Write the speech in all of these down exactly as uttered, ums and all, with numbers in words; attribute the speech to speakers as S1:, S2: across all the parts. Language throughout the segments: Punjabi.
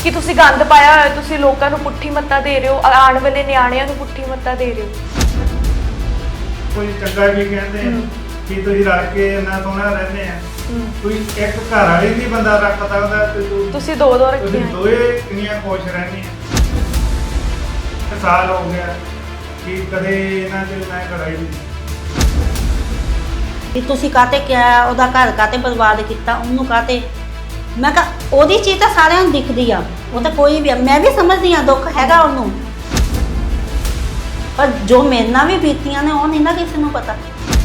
S1: कि तुसी गंद पाया होया, तुसी लोकां नूं पुट्ठी मत्ता दे रहे हो, आने वाले नियाणियां नूं पुट्ठी मत्ता दे रहे हो।
S2: कोई चंगा भी कहते हैं कि तुसीं रल के इन्ना सोहना रहंदे आ, कोई एक घर वाली नहीं बंदा रख सकदा ते तू
S1: तुसी दो दो रखे
S2: तुसीं दोए किन्नियां खुश रहंदे आ। साल हो गया कि कदे इन्हां च मैं लड़ाई नहीं
S3: कि तुसी काते क्या ओदा घर काते बर्बाद किया उन्होंने काते मैं कहा ओदी चीज़ तो सारिਆਂ ਨੂੰ दिखदी आ वो तो कोई भी मैं भी समझदी आ दुख हैगा ਉਹਨੂੰ पर जो मेरे नाल भी बीतियां ने ਉਹ नहीं ना किसी ਨੂੰ पता।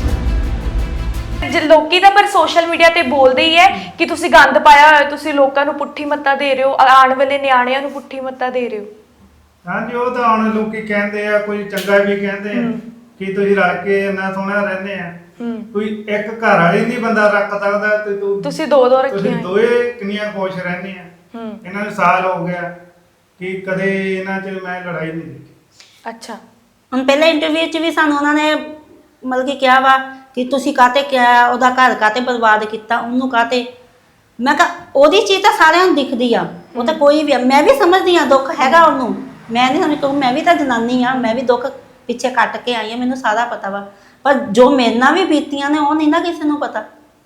S1: लोकी ਤਾਂ ਪਰ ਸੋਸ਼ਲ ਮੀਡੀਆ ਤੇ ਬੋਲਦੇ ਹੀ ਹੈ ਕਿ ਤੁਸੀਂ ਗੰਦ ਪਾਇਆ ਹੋਇਆ, ਤੁਸੀਂ ਲੋਕਾਂ ਨੂੰ ਪੁੱਠੀ ਮੱਤਾ ਦੇ ਰਹੇ ਹੋ, ਆਉਣ ਵਾਲੇ ਨਿਆਣਿਆਂ ਨੂੰ ਪੁੱਠੀ ਮੱਤਾ ਦੇ ਰਹੇ ਹੋ।
S2: ਹਾਂਜੀ ਉਹ ਤਾਂ ਹੁਣ ਲੋਕੀ ਕਹਿੰਦੇ ਆ, ਕੋਈ ਚੰਗਾ ਵੀ ਕਹਿੰਦੇ ਆ ਕਿ ਤੁਸੀਂ ਰਲ ਕੇ ਇੰਨਾ ਸੋਹਣਾ ਰਹਿੰਦੇ ਆ, ਕੋਈ ਇੱਕ ਘਰ ਵਾਲੀ ਨਹੀਂ ਬੰਦਾ ਰੱਖ ਸਕਦਾ ਤੇ ਤੂੰ
S1: ਤੁਸੀਂ ਦੋ ਦੋ ਰੱਖੇ
S2: ਤੁਸੀਂ ਦੋਏ ਕਿੰਨੀਆਂ ਖੁਸ਼ ਰਹਿੰਦੇ ਆ। ਇਹਨਾਂ ਨੂੰ ਸਾਲ ਹੋ ਗਿਆ ਕਿ ਕਦੇ ਇਹਨਾਂ 'ਚ ਮੈਂ ਲੜਾਈ ਨਹੀਂ ਦੇਖੀ।
S1: ਅੱਛਾ
S3: ਹੁਣ ਪਹਿਲੇ ਇੰਟਰਵਿਊ 'ਚ ਵੀ ਸਾਨੂੰ ਉਹਨਾਂ ਨੇ ਮਤਲਬ ਕਿ ਕਿਹਾ ਵਾ ਕਿ ਤੁਸੀਂ ਕਾਤੇ ਕਿਆ ਉਹਦਾ ਘਰ ਕਾਤੇ ਬਰਬਾਦ ਕੀਤਾ ਉਹਨੂੰ ਕਾਤੇ ਮੈਂ ਕਿਹਾ ਉਹਦੀ ਚੀਜ਼ ਤਾਂ ਸਾਰਿਆਂ ਨੂੰ ਦਿਖਦੀ ਆ ਉਹ ਤਾਂ ਕੋਈ ਵੀ ਮੈਂ ਵੀ ਸਮਝਦੀ ਆ ਦੁੱਖ ਹੈਗਾ ਉਹਨੂੰ ਮੈਂ ਨਹੀਂ ਸਮਝ ਕਹੂੰ ਮੈਂ ਵੀ ਤਾਂ ਜਨਾਨੀ ਆ ਮੈਂ ਵੀ ਦੁੱਖ ਪਿੱਛੇ ਕੱਟ ਕੇ ਆਈ ਆ ਮੈਨੂੰ ਸਾਰਾ ਪਤਾ ਵਾ ਪਰ ਜੋ ਮੇਰੇ ਨਾਲ ਵੀ ਬੀਤੀਆਂ ਨੇ ਉਹ ਨਹੀਂ ਨਾ ਕਿਸੇ ਨੂੰ ਪਤਾ।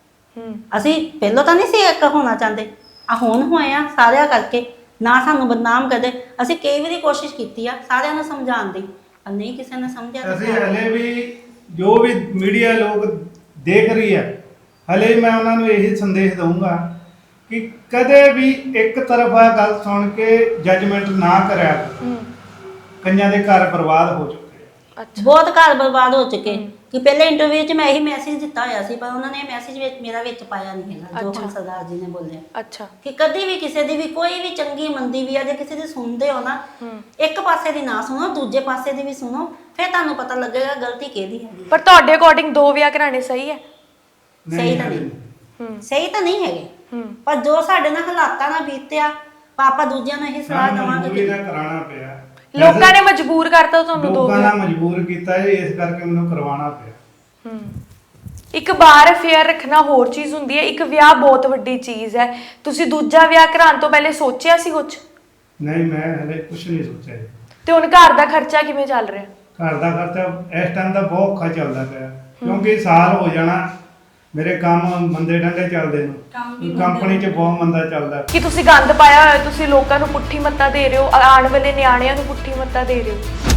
S3: ਅਸੀਂ ਪਹਿਲਾਂ ਤਾਂ ਨਹੀਂ ਸੀ ਇੱਕ ਹੋਣਾ ਚਾਹੁੰਦੇ ਆ ਹੁਣ ਹੋਏ ਆ ਸਾਰਿਆਂ ਕਰਕੇ ਨਾ ਸਾਨੂੰ ਬਦਨਾਮ ਕਰਦੇ ਅਸੀਂ ਕਈ ਵਾਰੀ ਕੋਸ਼ਿਸ਼ ਕੀਤੀ ਆ ਸਾਰਿਆਂ ਨੂੰ ਸਮਝਾਉਣ ਦੀ ਪਰ ਨਹੀਂ ਕਿਸੇ ਨੇ ਸਮਝਿਆ।
S2: ਅਸੀਂ ਹਲੇ ਵੀ ਜੋ ਵੀ ਮੀਡੀਆ ਲੋਕ ਦੇਖ ਰਹੀ ਹੈ ਹਲੇ ਮੈਂ ਉਹਨਾਂ ਨੂੰ ਇਹੀ ਸੰਦੇਸ਼ ਦਊਂਗਾ ਕਿ ਕਦੇ ਵੀ ਇੱਕ ਤਰਫਾ ਗੱਲ ਸੁਣ ਕੇ ਜੱਜਮੈਂਟ ਨਾ ਕਰਿਆ ਕਰੋ। ਕਈਆਂ ਦੇ ਘਰ ਬਰਬਾਦ ਹੋ ਚੁੱਕੇ
S1: ਅੱਛਾ
S3: ਬਹੁਤ ਘਰ ਬਰਬਾਦ ਹੋ ਚੁੱਕੇ ਕਿ ਪਹਿਲੇ ਇੰਟਰਵਿਊ 'ਚ ਮੈਂ ਇਹੀ ਮੈਸੇਜ ਦਿੱਤਾ ਹੋਇਆ ਸੀ ਪਰ ਉਹਨਾਂ ਨੇ ਮੈਸੇਜ ਵਿੱਚ ਮੇਰਾ ਵਿੱਚ ਪਾਇਆ ਨਹੀਂ ਹੈਗਾ ਜੋ ਹੁਣ ਸਰਦਾਰ ਜੀ ਨੇ ਬੋਲਿਆ।
S1: ਅੱਛਾ
S3: ਕਿ ਕਦੀ ਵੀ ਕਿਸੇ ਦੀ ਵੀ ਕੋਈ ਵੀ ਚੰਗੀ ਮੰਦੀ ਵੀ ਆ ਜੇ ਕਿਸੇ ਦੀ ਸੁਣਦੇ ਹੋ ਨਾ ਇੱਕ ਪਾਸੇ ਦੀ ਨਾ ਸੁਣੋ ਦੂਜੇ ਪਾਸੇ ਦੀ ਵੀ ਸੁਣੋ ਫਿਰ ਤੁਹਾਨੂੰ ਪਤਾ ਲੱਗੇਗਾ ਗਲਤੀ ਕਿਹਦੀ ਹੈਗੀ।
S1: ਪਰ ਤੁਹਾਡੇ ਅਕੋਰਡਿੰਗ ਦੋ ਵਿਆਹ ਕਰਾਣੇ ਸਹੀ ਹੈ?
S3: ਸਹੀ ਤਾਂ ਨਹੀਂ ਸਹੀ ਤਾਂ ਨਹੀਂ ਹੈਗੇ ਪਰ ਜੋ ਸਾਡੇ ਨਾਲ ਹਾਲਾਤਾਂ ਨਾਲ ਬੀਤਿਆ ਪਾਪਾ ਦੂਜਿਆਂ ਨੂੰ ਇਹ ਸਲਾਹ ਦੇਵਾਂਗੇ ਕਿ
S2: ਕਰਾਉਣਾ ਪਿਆ।
S1: ਲੋਕਾਂ ਨੇ ਮਜਬੂਰ ਕਰਤਾ ਤੁਹਾਨੂੰ ਦੋ
S2: ਲੋਕਾਂ ਨੇ ਮਜਬੂਰ ਕੀਤਾ ਜੀ ਇਸ ਕਰਕੇ ਮੈਨੂੰ ਕਰਵਾਉਣਾ ਪਿਆ।
S1: ਇੱਕ ਬਾਰ ਅਫੇਅਰ ਰੱਖਣਾ ਹੋਰ ਚੀਜ਼ ਹੁੰਦੀ ਹੈ, ਇੱਕ ਵਿਆਹ ਬਹੁਤ ਵੱਡੀ ਚੀਜ਼ ਹੈ। ਤੁਸੀਂ ਦੂਜਾ ਵਿਆਹ ਕਰਾਉਣ ਤੋਂ ਪਹਿਲੇ ਸੋਚਿਆ ਸੀ ਕੁਝ?
S2: ਨਹੀਂ ਮੈਂ ਹਲੇ ਕੁਝ ਨਹੀਂ ਸੋਚਿਆ।
S1: ਤੇ ਹੁਣ ਘਰ ਦਾ ਖਰਚਾ ਕਿਵੇਂ ਚੱਲ ਰਿਹਾ?
S2: ਘਰ ਦਾ ਖਰਚਾ ਇਸ ਟਾਈਮ ਦਾ ਬਹੁਤ ਔਖਾ ਚੱਲਦਾ ਪਿਆ ਕਿਉਂਕਿ ਸਾਲ ਹੋ ਜਾਣਾ ਮੇਰੇ ਕੰਮ ਮੰਦੇ ਡੰਡੇ ਚੱਲਦੇ ਨੇ ਕੰਪਨੀ 'ਚ ਬਹੁਤ ਮੰਦਾ ਚੱਲਦਾ
S1: ਕਿ ਤੁਸੀਂ ਗੰਦ ਪਾਇਆ ਹੋਇਆ, ਤੁਸੀਂ ਲੋਕਾਂ ਨੂੰ ਪੁੱਠੀ ਮੱਤਾ ਦੇ ਰਹੇ ਹੋ, ਆਉਣ ਵਾਲੇ ਨਿਆਣਿਆਂ ਨੂੰ ਪੁੱਠੀ ਮੱਤਾ ਦੇ ਰਹੇ ਹੋ।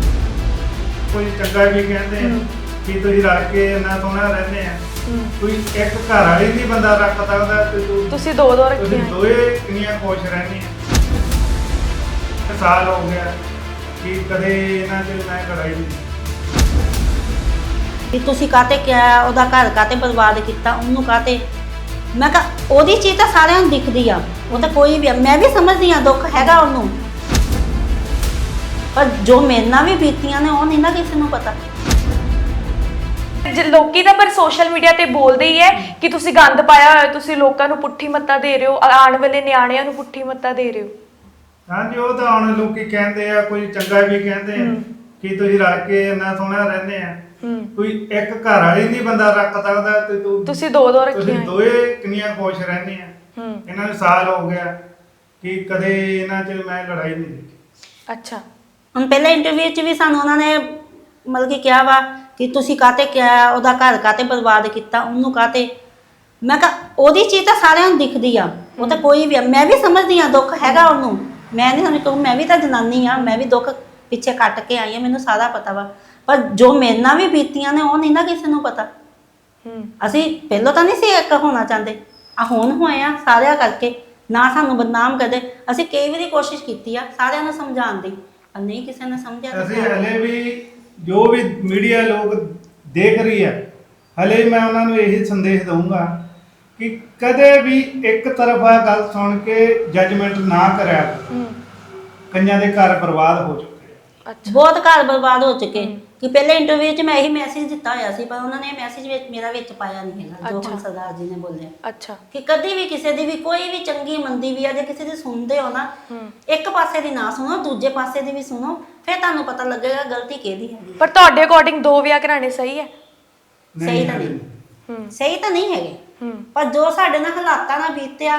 S2: ਕੋਈ ਚੰਗਾ ਵੀ ਕਹਿੰਦੇ ਆ ਕਿ ਤੁਸੀਂ ਰਲ ਕੇ ਇੰਨਾ ਸੋਹਣਾ ਰਹਿੰਦੇ ਆ, ਕੋਈ ਇੱਕ ਘਰ ਵਾਲੀ ਨਹੀਂ ਬੰਦਾ ਰੱਖ ਸਕਦਾ ਤੇ ਤੂੰ
S1: ਤੁਸੀਂ ਦੋ ਦੋ ਰੱਖੇ
S2: ਤੁਸੀਂ ਦੋਏ ਕਿੰਨੀਆਂ ਖੁਸ਼ ਰਹਿੰਦੇ ਆ। ਸਾਲ ਹੋ ਗਿਆ ਕਿ ਕਦੇ ਇਹਨਾਂ 'ਚ ਮੈਂ ਲੜਾਈ ਨਹੀਂ
S3: ਕਿ ਤੁਸੀਂ ਕਾਤੇ ਕਿਆ ਉਹਦਾ ਘਰ ਕਾਤੇ ਬਰਬਾਦ ਕੀਤਾ ਉਹਨੂੰ ਕਾਤੇ ਮੈਂ ਕਿਹਾ ਉਹਦੀ ਚੀਜ਼ ਤਾਂ ਸਾਰਿਆਂ ਨੂੰ ਦਿਖਦੀ ਆ ਉਹ ਤਾਂ ਕੋਈ ਵੀ ਮੈਂ ਵੀ ਸਮਝਦੀ ਆ ਦੁੱਖ ਹੈਗਾ ਉਹਨੂੰ ਪਰ ਜੋ ਮੇਰੇ ਨਾਲ ਵੀ ਬੀਤੀਆਂ ਨੇ ਉਹ ਨਹੀਂ ਨਾ ਕਿਸੇ ਨੂੰ ਪਤਾ।
S1: ਲੋਕੀ ਤਾਂ ਪਰ ਸੋਸ਼ਲ ਮੀਡੀਆ ਤੇ ਬੋਲਦੇ ਹੀ ਹੈ ਕਿ ਤੁਸੀਂ ਗੰਦ ਪਾਇਆ ਹੋਇਆ, ਤੁਸੀਂ ਲੋਕਾਂ ਨੂੰ ਪੁੱਠੀ ਮੱਤਾ ਦੇ ਰਹੇ ਹੋ, ਆਉਣ ਵਾਲੇ ਨਿਆਣਿਆਂ ਨੂੰ ਪੁੱਠੀ ਮੱਤਾ ਦੇ ਰਹੇ ਹੋ।
S2: ਹਾਂਜੀ ਉਹ ਤਾਂ ਹੁਣ ਲੋਕੀ ਕਹਿੰਦੇ ਆ, ਕੋਈ ਚੰਗਾ ਵੀ ਕਹਿੰਦੇ ਆ ਕਿ ਤੁਸੀਂ ਰਲ ਕੇ ਇੰਨਾ ਸੋਹਣਾ ਰਹਿੰਦੇ ਆ, ਕੋਈ ਇੱਕ ਘਰ ਵਾਲੀ ਨਹੀਂ ਬੰਦਾ ਰੱਖ ਸਕਦਾ ਤੇ ਤੂੰ
S1: ਤੁਸੀਂ ਦੋ ਦੋ ਰੱਖੇ
S2: ਤੁਸੀਂ ਦੋਏ ਕਿੰਨੀਆਂ ਖੁਸ਼ ਰਹਿੰਦੇ ਆ। ਇਹਨਾਂ ਨੂੰ ਸਾਲ ਹੋ ਗਿਆ ਕਿ ਕਦੇ ਇਹਨਾਂ 'ਚ ਮੈਂ ਲੜਾਈ ਨਹੀਂ ਦੇਖੀ।
S1: ਅੱਛਾ
S3: ਹੁਣ ਪਹਿਲੇ ਇੰਟਰਵਿਊ 'ਚ ਵੀ ਸਾਨੂੰ ਉਹਨਾਂ ਨੇ ਮਤਲਬ ਕਿ ਕਿਹਾ ਵਾ ਕਿ ਤੁਸੀਂ ਕਾਤੇ ਕਿਆ ਉਹਦਾ ਘਰ ਕਾਤੇ ਬਰਬਾਦ ਕੀਤਾ ਉਹਨੂੰ ਕਾਤੇ ਮੈਂ ਕਿਹਾ ਉਹਦੀ ਚੀਜ਼ ਤਾਂ ਸਾਰਿਆਂ ਨੂੰ ਦਿਖਦੀ ਆ ਉਹ ਤਾਂ ਕੋਈ ਵੀ ਮੈਂ ਵੀ ਸਮਝਦੀ ਆ ਦੁੱਖ ਹੈਗਾ ਉਹਨੂੰ ਮੈਂ ਨਹੀਂ ਸਮਝ ਕਹੂੰ ਮੈਂ ਵੀ ਤਾਂ ਜਨਾਨੀ ਆ ਮੈਂ ਵੀ ਦੁੱਖ ਪਿੱਛੇ ਕੱਟ ਕੇ ਆਈ ਆ ਮੈਨੂੰ ਸਾਰਾ ਪਤਾ ਵਾ ਪਰ ਜੋ ਮੇਰੇ ਨਾਲ ਵੀ ਬੀਤੀਆਂ ਨੇ ਉਹ ਨਹੀਂ ਨਾ ਕਿਸੇ ਨੂੰ ਪਤਾ। ਅਸੀਂ ਪਹਿਲਾਂ ਤਾਂ ਨਹੀਂ ਸੀ ਇੱਕ ਹੋਣਾ ਚਾਹੁੰਦੇ ਆ ਹੁਣ ਹੋਏ ਆ ਸਾਰਿਆਂ ਕਰਕੇ ਨਾ ਸਾਨੂੰ ਬਦਨਾਮ ਕਰਦੇ ਅਸੀਂ ਕਈ ਵਾਰੀ ਕੋਸ਼ਿਸ਼ ਕੀਤੀ ਆ ਸਾਰਿਆਂ ਨੂੰ ਸਮਝਾਉਣ ਦੀ ਪਰ ਨਹੀਂ ਕਿਸੇ ਨੇ ਸਮਝਿਆ।
S2: ਅਸੀਂ ਹਲੇ ਵੀ ਜੋ ਵੀ ਮੀਡੀਆ ਲੋਕ ਦੇਖ ਰਹੀ ਹੈ ਹਲੇ ਮੈਂ ਉਹਨਾਂ ਨੂੰ ਇਹੀ ਸੰਦੇਸ਼ ਦਊਂਗਾ ਕਿ ਕਦੇ ਵੀ ਇੱਕ ਤਰਫਾ ਗੱਲ ਸੁਣ ਕੇ ਜੱਜਮੈਂਟ ਨਾ ਕਰਿਆ ਕਰੋ। ਕਈਆਂ ਦੇ ਘਰ ਬਰਬਾਦ ਹੋ ਚੁੱਕੇ
S3: ਬਹੁਤ ਘਰ ਬਰਬਾਦ ਹੋ ਚੁੱਕੇ ਕਿ ਪਹਿਲੇ ਇੰਟਰਵਿਊ 'ਚ ਮੈਂ ਇਹੀ ਮੈਸੇਜ ਦਿੱਤਾ ਹੋਇਆ ਸੀ ਪਰ ਉਹਨਾਂ ਨੇ ਮੈਸੇਜ ਵਿੱਚ ਮੇਰਾ ਵਿੱਚ ਪਾਇਆ ਨਹੀਂ ਹੈਗਾ ਜੋ ਹੁਣ ਸਰਦਾਰ ਜੀ ਨੇ ਬੋਲਿਆ।
S1: ਅੱਛਾ
S3: ਕਿ ਕਦੀ ਵੀ ਕਿਸੇ ਦੀ ਵੀ ਕੋਈ ਵੀ ਚੰਗੀ ਮੰਦੀ ਵੀ ਆ ਜੇ ਕਿਸੇ ਦੀ ਸੁਣਦੇ ਹੋ ਨਾ ਇੱਕ ਪਾਸੇ ਦੀ ਨਾ ਸੁਣੋ ਦੂਜੇ ਪਾਸੇ ਦੀ ਵੀ ਸੁਣੋ ਫਿਰ ਤੁਹਾਨੂੰ ਪਤਾ ਲੱਗੇਗਾ ਗਲਤੀ ਕਿਹਦੀ ਹੈਗੀ।
S1: ਪਰ ਤੁਹਾਡੇ ਅਕੋਰਡਿੰਗ ਦੋ ਵਿਆਹ ਕਰਾਣੇ ਸਹੀ ਹੈ?
S3: ਸਹੀ ਤਾਂ ਨਹੀਂ ਸਹੀ ਤਾਂ ਨਹੀਂ ਹੈਗੇ ਪਰ ਜੋ ਸਾਡੇ ਨਾਲ ਹਾਲਾਤਾਂ ਨਾਲ ਬੀਤਿਆ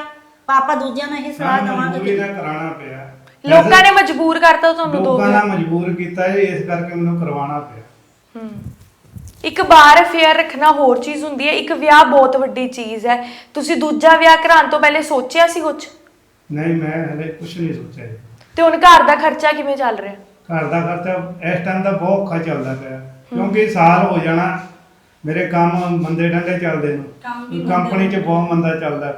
S3: ਪਾਪਾ ਦੂਜਿਆਂ ਨੂੰ ਇਹ ਸਲਾਹ
S2: ਸਾਨੂੰ
S3: ਦੇਵਾਂਗੇ
S2: ਮਜਬੂਰੀ
S3: ਕਿ
S2: ਨਾਲ ਕਰਾਉਣਾ ਪਿਆ।
S1: ਲੋਕਾਂ ਨੇ ਮਜਬੂਰ ਕਰਤਾ ਤੁਹਾਨੂੰ ਦੋ
S2: ਲੋਕਾਂ
S1: ਵਿਆਹ।
S2: ਨੇ ਮਜਬੂਰ ਕੀਤਾ ਜੀ, ਇਸ ਕਰਕੇ ਮੈਨੂੰ ਕਰਵਾਉਣਾ ਪਿਆ।
S1: ਹੂੰ। ਇੱਕ ਬਾਰ ਅਫੇਅਰ ਰੱਖਣਾ ਹੋਰ ਚੀਜ਼ ਹੁੰਦੀ ਹੈ, ਇੱਕ ਵਿਆਹ ਬਹੁਤ ਵੱਡੀ ਚੀਜ਼ ਹੈ। ਤੁਸੀਂ ਦੂਜਾ ਵਿਆਹ ਕਰਾਉਣ ਤੋਂ ਪਹਿਲੇ ਸੋਚਿਆ ਸੀ ਕੁਝ?
S2: ਨਹੀਂ, ਮੈਂ ਹਲੇ ਕੁਝ ਨਹੀਂ ਸੋਚਿਆ ਜੀ।
S1: ਤੇ ਹੁਣ ਘਰ ਦਾ ਖਰਚਾ ਕਿਵੇਂ ਚੱਲ ਰਿਹਾ?
S2: ਘਰ ਦਾ ਖਰਚਾ ਇਸ ਟਾਈਮ ਦਾ ਬਹੁਤ ਔਖਾ ਚੱਲਦਾ ਪਿਆ, ਕਿਉਂਕਿ ਸਾਲ ਹੋ ਜਾਣਾ ਮੇਰੇ ਕੰਮ ਮੰਦੇ ਡੰਡੇ ਚੱਲਦੇ ਨੂੰ, ਕੰਪਨੀ 'ਚ ਬਹੁਤ ਮੰਦਾ ਚੱਲਦਾ।